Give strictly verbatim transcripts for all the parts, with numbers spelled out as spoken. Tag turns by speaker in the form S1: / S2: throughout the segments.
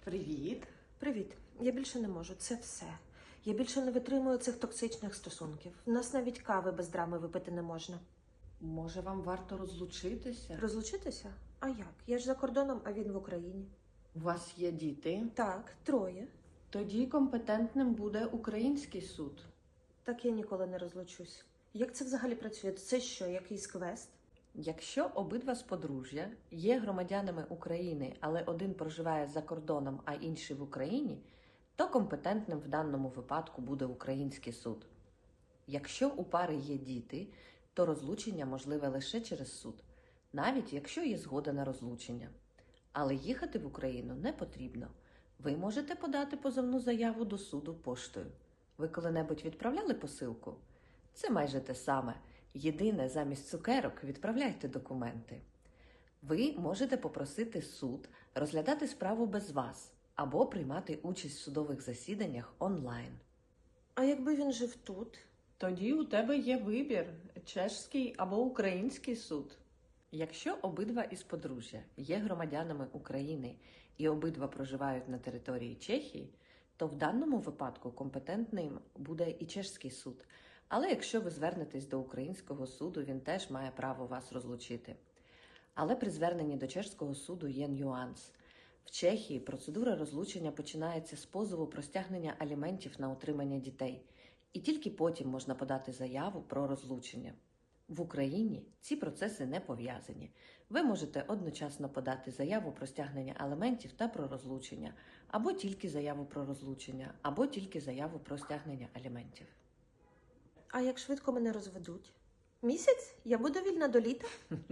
S1: Привіт.
S2: Привіт. Я більше не можу. Це все. Я більше не витримую цих токсичних стосунків. У нас навіть кави без драми випити не можна.
S1: Може, вам варто розлучитися?
S2: Розлучитися? А як? Я ж за кордоном, а він в Україні.
S1: У вас є діти?
S2: Так, троє.
S1: Тоді компетентним буде український суд.
S2: Так я ніколи не розлучусь. Як це взагалі працює? Це що, якийсь квест?
S1: Якщо обидва з подружжя є громадянами України, але один проживає за кордоном, а інший в Україні, то компетентним в даному випадку буде український суд. Якщо у пари є діти, то розлучення можливе лише через суд, навіть якщо є згода на розлучення. Але їхати в Україну не потрібно. Ви можете подати позовну заяву до суду поштою. Ви коли-небудь відправляли посилку? Це майже те саме. Єдине, замість цукерок відправляйте документи. Ви можете попросити суд розглядати справу без вас або приймати участь в судових засіданнях онлайн.
S2: А якби він жив тут?
S1: Тоді у тебе є вибір – чеський або український суд. Якщо обидва із подружжя є громадянами України і обидва проживають на території Чехії, то в даному випадку компетентним буде і чеський суд. Але якщо ви звернетесь до українського суду, він теж має право вас розлучити. Але при зверненні до чеського суду є нюанс. В Чехії процедура розлучення починається з позову про стягнення аліментів на утримання дітей. І тільки потім можна подати заяву про розлучення. В Україні ці процеси не пов'язані. Ви можете одночасно подати заяву про стягнення аліментів та про розлучення, або тільки заяву про розлучення, або тільки заяву про стягнення аліментів.
S2: А як швидко мене розведуть? Місяць? Я буду вільна до літа?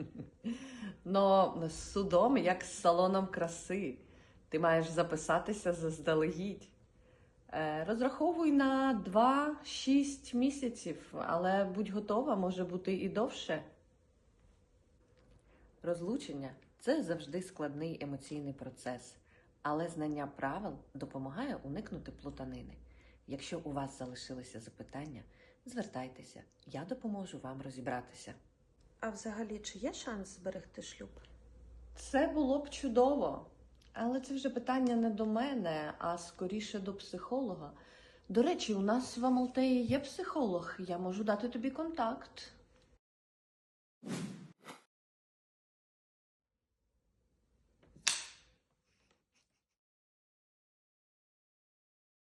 S1: Но з судом, як з салоном краси, ти маєш записатися заздалегідь. Е, Розраховуй на два-шість місяців, але будь готова, може бути і довше. Розлучення – це завжди складний емоційний процес, але знання правил допомагає уникнути плутанини. Якщо у вас залишилися запитання, звертайтеся, я допоможу вам розібратися.
S2: А взагалі, чи є шанс зберегти шлюб?
S1: Це було б чудово, але це вже питання не до мене, а скоріше до психолога. До речі, у нас в Амалтеї є психолог, я можу дати тобі контакт.